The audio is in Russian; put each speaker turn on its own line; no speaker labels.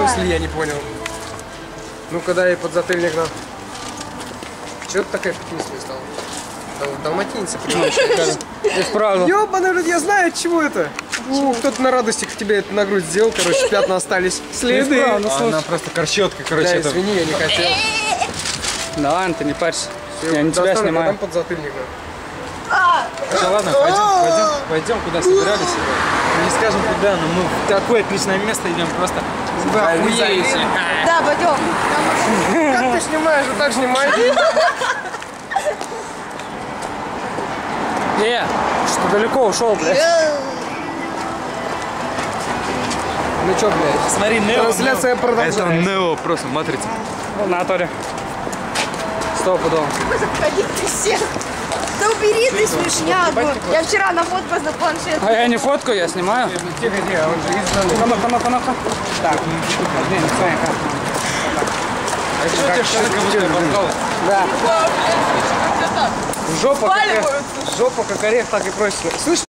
смысле, я не понял. Ну-ка дай подзатыльник нам. Чего ты такая пятнистая стала? Далматинцы превращаются.
Исправно.
Ёбаный рот, я знаю, от чего это. Кто-то на радостях тебе это на грудь сделал, короче, пятна остались. Следы.
Она просто корчетка, короче.
Да,
это...
извини, я не хотел.
Да ладно, ты не парься. Я не тебя снимаю.
Там подзатыльник.
Все, ладно, пойдем, куда собирались. Не скажем куда, но мы в такое отличное место идем просто.
Охуеть.
Да, пойдем.
Как ты снимаешь? Вот так снимай.
Что далеко ушел, блядь.
Ну чё, блядь?
Смотри, Нео.
Трансляция
Это
продолжается.
Нео, просто матрица.
В натуре. Стопудово.
Ходи ты всех. Да убери ты смешняку. Я вчера нафоткалась на планшет.
А я не фоткаю, я снимаю.
Тихо, тихо, он же из
Ну-ка. Так, блин, Санька.
А что у тебя шарик как будто оборвалось?
Да. Жопа как орех, так и просит. Слышь?